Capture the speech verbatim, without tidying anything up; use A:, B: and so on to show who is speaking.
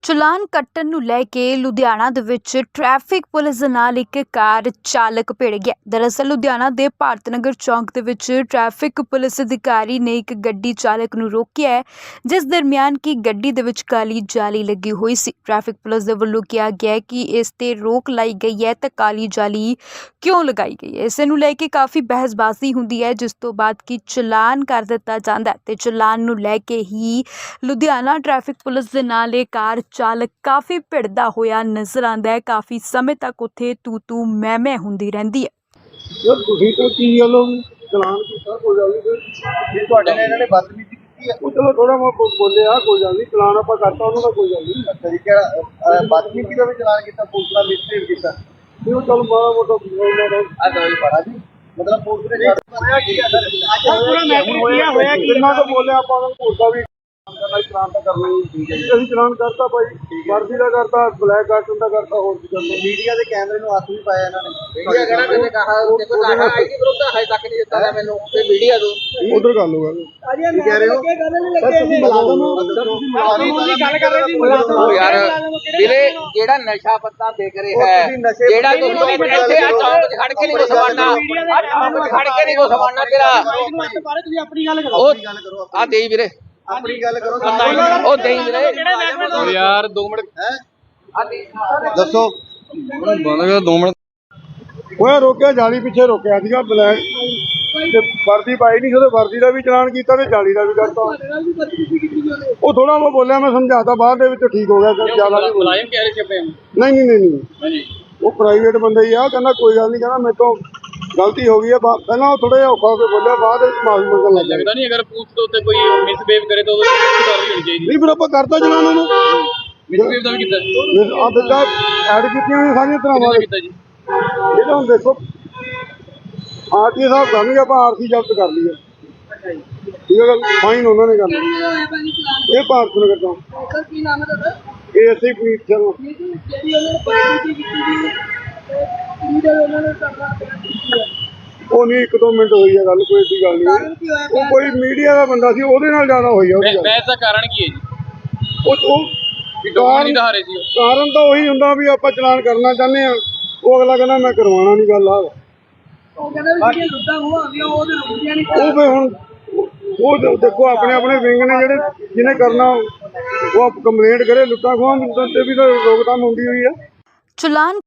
A: ਚਲਾਨ ਕੱਟਣ ਨੂੰ ਲੈ ਕੇ ਲੁਧਿਆਣਾ ਦੇ ਵਿੱਚ ਟ੍ਰੈਫਿਕ ਪੁਲਿਸ ਦੇ ਨਾਲ ਇੱਕ ਕਾਰ ਚਾਲਕ ਭਿੜ ਗਿਆ। ਦਰਅਸਲ ਲੁਧਿਆਣਾ ਦੇ ਭਾਰਤ ਨਗਰ ਚੌਂਕ ਦੇ ਵਿੱਚ ਟ੍ਰੈਫਿਕ ਪੁਲਿਸ ਅਧਿਕਾਰੀ ਨੇ ਇੱਕ ਗੱਡੀ ਚਾਲਕ ਨੂੰ ਰੋਕਿਆ ਹੈ, ਜਿਸ ਦਰਮਿਆਨ ਕਿ ਗੱਡੀ ਦੇ ਵਿੱਚ ਕਾਲੀ ਜਾਲੀ ਲੱਗੀ ਹੋਈ ਸੀ। ਟ੍ਰੈਫਿਕ ਪੁਲਿਸ ਦੇ ਵੱਲੋਂ ਕਿਹਾ ਗਿਆ ਕਿ ਇਸ ਤੇ ਰੋਕ ਲਾਈ ਗਈ ਹੈ ਤਾਂ ਕਾਲੀ ਜਾਲੀ ਕਿਉਂ ਲਗਾਈ ਗਈ ਹੈ, ਇਸੇ ਨੂੰ ਲੈ ਕੇ ਕਾਫੀ ਬਹਿਸਬਾਜ਼ੀ ਹੁੰਦੀ ਹੈ, ਜਿਸ ਤੋਂ ਬਾਅਦ ਕਿ ਚਲਾਨ ਕਰ ਦਿੱਤਾ ਜਾਂਦਾ ਤੇ ਚਲਾਨ ਨੂੰ ਲੈ ਕੇ ਹੀ ਲੁਧਿਆਣਾ ਟ੍ਰੈਫਿਕ ਪੁਲਿਸ ਦੇ ਨਾਲ ਇਹ ਕਾਰ ਚਾਲਕ ਕਾਫੀ ਭਿੜਦਾ ਹੋਇਆ ਨਜ਼ਰ ਆਉਂਦਾ ਹੈ। ਕਾਫੀ ਸਮੇਂ ਤੱਕ ਉੱਥੇ ਤੂ ਤੂ ਮੈਂ ਮੈਂ ਹੁੰਦੀ ਰਹਿੰਦੀ ਹੈ।
B: ਯਾਰ ਤੁਸੀਂ ਤਾਂ ਕੀ ਗੱਲ ਹੋ ਗਈ ਚਲਾਨ ਕੀਤਾ ਕੋਈ ਗੱਲ ਨਹੀਂ ਜੇ ਤੁਹਾਡੇ ਨਾਲ ਇਹਨਾਂ ਨੇ ਬਦਤਮੀਜ਼ੀ ਕੀਤੀ ਹੈ ਉਹ ਚਲੋ ਥੋੜਾ ਮੈਂ ਬੋਲਿਆ ਕੋਈ ਗੱਲ ਨਹੀਂ ਚਲਾਨ ਆਪਾਂ ਕਰਤਾ ਉਹਨਾਂ ਦਾ ਕੋਈ ਗੱਲ ਨਹੀਂ ਅੱਛਾ ਜੀ ਕਿਹੜਾ ਬਦਤਮੀਜ਼ੀ ਦਾ ਵੀ ਚਲਾਨ ਕੀਤਾ ਪੁਲਿਸ ਦਾ ਮਿਸਟੇਕ ਕੀਤਾ ਤੇ ਉਹ ਚਲ ਮਾੜਾ ਮੋਟਾ ਆ ਦਵਾਈ ਪੜਾ ਜੀ ਮਤਲਬ ਪੁਲਿਸ ਨੇ ਹੋਇਆ ਕੀ ਹੈ ਸਰ ਅੱਜ ਪੂਰਾ ਮੈਟਰ ਹੋਇਆ ਹੋਇਆ ਕਿ ਇਹਨਾਂ ਤੋਂ ਬੋਲਿਆ ਆਪਾਂ ਉਹਨਾਂ ਨੂੰ ਪੁਲਿਸ ਦਾ ਵੀ ਚਲਾਨ ਤਾਂ ਕਰਨਾ ਹੀ ਠੀਕ ਹੈ ਜੀ ਅਸੀਂ ਚਲਾਨ ਕਰਤਾ ਭਾਈ ਵਰਦੀ ਦਾ ਕਰਤਾ ਬਲੈਕ ਕਾਰਟਨ ਦਾ ਕਰਤਾ ਹੋਰ ਕੀ ਕਰਨਾ ਮੀਡੀਆ ਦੇ ਕੈਮਰੇ ਨੂੰ ਹੱਥ ਵੀ ਪਾਇਆ ਇਹਨਾਂ ਨੇ ਮੀਡੀਆ ਕਹਿੰਦਾ ਨੇ ਕਹਾ ਦੇਖੋ ਤੁਹਾਡਾ ਆਈਡੀ ਪ੍ਰੂਫ ਤਾਂ ਹਜੇ ਤੱਕ ਨਹੀਂ ਦਿੱਤਾ ਹੈ ਮੈਨੂੰ ਤੇ ਮੀਡੀਆ ਦੋ ਉਧਰ ਗੱਲ ਹੋ ਗੱਲ ਕੀ ਕਹਿ ਰਹੇ ਹੋ ਗੱਲ ਨਹੀਂ ਲੱਗੇ ਤੁਸੀਂ ਮੁਲਾਜ਼ਮ ਹੋ ਤੁਸੀਂ ਗੱਲ ਕਰ ਰਹੇ ਸੀ ਮੁਲਾਜ਼ਮ ਹੋ ਯਾਰ ਵੀਰੇ ਜਿਹੜਾ ਨਸ਼ਾ ਪੱਤਾ ਦੇਖ ਰਿਹਾ ਹੈ ਜਿਹੜਾ ਤੁਸੀਂ ਇੱਥੇ ਆ ਚੌਂਕ 'ਚ ਖੜ ਕੇ ਨਹੀਂ ਕੋ ਸਵਾਰਨਾ ਆ ਚੌਂਕ 'ਚ ਖੜ ਕੇ ਨਹੀਂ ਕੋ ਸਵਾਰਨਾ ਤੇਰਾ ਤੁਸੀਂ ਆਪਣੀ ਗੱਲ ਕਰੋ ਆਪਣੀ ਗੱਲ ਕਰੋ ਆ ਦੇਈ ਵੀਰੇ ਆਪਣੀ ਗੱਲ ਕਰੋ ਉਹ ਦੇਈ ਵੀਰੇ ਯਾਰ ਦੋ ਮਿੰਟ ਹੈ ਦੱਸੋ ਬੰਦ ਕਰ ਦੋ ਮਿੰਟ ਉਹ ਰੋਕਿਆ ਜਾਲੀ ਪਿੱਛੇ ਰੋਕਿਆ ਸੀਗਾ ਬਲੈਕ ਤੇ ਵਰਦੀ ਪਾਈ ਨਹੀਂ ਉਹਦੇ ਵਰਦੀ ਦਾ ਵੀ ਚਲਾਨ ਕੀਤਾ ਤੇ ਜਾਲੀ ਦਾ ਵੀ ਕਰਤਾ ਉਹ ਥੋੜਾ ਮੈਂ ਬੋਲਿਆ ਮੈਂ ਸਮਝਾਤਾ ਬਾਅਦ ਦੇ ਵਿੱਚ ਠੀਕ ਹੋ ਗਿਆ ਸਰ ਜ਼ਿਆਦਾ ਨਹੀਂ ਮੁਲਾਜ਼ਮ ਕਹਿ ਰਹੇ ਸੀ ਨਹੀਂ ਨਹੀਂ ਨਹੀਂ ਨਹੀਂ ਉਹ ਪ੍ਰਾਈਵੇਟ ਬੰਦਾ ਹੀ ਆ ਕਹਿੰਦਾ ਕੋਈ ਗੱਲ ਨਹੀਂ ਕਹਿੰਦਾ ਮੇਰੇ ਤੋਂ ਗਲਤੀ ਹੋ ਗਈ ਹੈ ਪਹਿਲਾਂ ਉਹ ਥੋੜਾ ਜਿਹਾ ਔਖਾ ਹੋ ਕੇ ਬੋਲਿਆ ਬਾਅਦ ਵਿੱਚ ਮਾਫੀ ਮੰਗਣ ਲੱਗ ਗਿਆ ਲੱਗਦਾ ਨਹੀਂ ਅਗਰ ਪੁਲਿਸ ਦੇ ਉੱਤੇ ਕੋਈ ਮਿਸਬੀਹੇਵ ਕਰੇ ਤਾਂ ਉਹਦੇ ਤੇ ਕਾਰਵਾਈ ਹੋਣੀ ਚਾਹੀਦੀ ਨਹੀਂ ਫਿਰ ਆਪਾਂ ਕਰਤਾ ਚਲਾਨ ਉਹਨੂੰ ਮਿਸਬੀਹੇਵ ਦਾ ਵੀ ਕੀਤਾ ਆ ਬਿੱਦਾ ਐਡ ਕੀਤੀਆਂ ਨੇ ਸਾਰੀਆਂ ਤਰ੍ਹਾਂ ਕੀਤਾ ਜੀ ਇਹ ਤਾਂ ਹੁਣ ਦੇਖੋ ਆਰਟੀ ਸਾਹਿਬ ਕਰਨਗੇ ਆਪਾਂ ਆਰਸੀ ਜ਼ਬਤ ਕਰ ਲਈਏ ਠੀਕ ਹੈ ਗੱਲ ਫਾਈਨ ਉਹਨਾਂ ਨੇ ਕਰਨਾ ਇਹ ਭਾਰਤ ਨਗਰ ਤੋਂ ਸਰ ਕੀ ਨਾਮ ਹੈ ਤੁਹਾਡਾ ਇਹ ਅਸੀਂ ਪ੍ਰੀਤ ਸ਼ਰਮਾ ਜਿਹੜੀ ਉਹਨਾਂ ਨੇ ਪਾਰਟੀ ਕੀਤੀ ਸੀ ਉਹਨਾਂ ਨੇ ਕਰਨਾ ਉਹ ਨਹੀਂ ਇੱਕ ਦੋ ਮਿੰਟ ਹੋਈ ਹੈ ਗੱਲ ਕੋਈ ਐਸੀ ਗੱਲ ਨਹੀਂ ਉਹ ਕੋਈ ਮੀਡੀਆ ਦਾ ਬੰਦਾ ਸੀ ਉਹਦੇ ਨਾਲ ਜ਼ਿਆਦਾ ਹੋਈ ਹੈ ਬਹਿਸ ਦਾ ਕਾਰਨ ਕੀ ਹੈ ਜੀ ਉਹ ਉਹ ਕਾਰਨ ਕਾਰਨ ਤਾਂ ਉਹੀ ਹੁੰਦਾ ਵੀ ਆਪਾਂ ਚਲਾਨ ਕਰਨਾ ਚਾਹੁੰਦੇ ਆ ਉਹ ਅਗਲਾ ਕਹਿੰਦਾ ਮੈਂ ਕਰਵਾਉਣਾ ਨਹੀਂ ਗੱਲ ਆ ਉਹ ਕਹਿੰਦਾ ਵੀ ਲੁੱਟਾਂ ਹੋਣਗੀਆਂ ਉਹਦੇ ਰੁਕਦੀਆਂ ਨਹੀਂ ਉਹ ਫੇ ਹੁਣ ਉਹ ਦੇਖੋ ਆਪਣੇ ਆਪਣੇ ਵਿੰਗ ਨੇ ਜਿਹੜੇ ਜਿਹਨੇ ਕਰਨਾ ਉਹ ਕੰਪਲੇਂਟ ਕਰੇ ਲੁੱਟਾਂ ਖੋਹਾਂ ਤੇ ਵੀ ਤਾਂ ਰੋਕਥਾਮ ਹੁੰਦੀ ਹੋਈ ਹੈ।
A: ਚਲਾਨ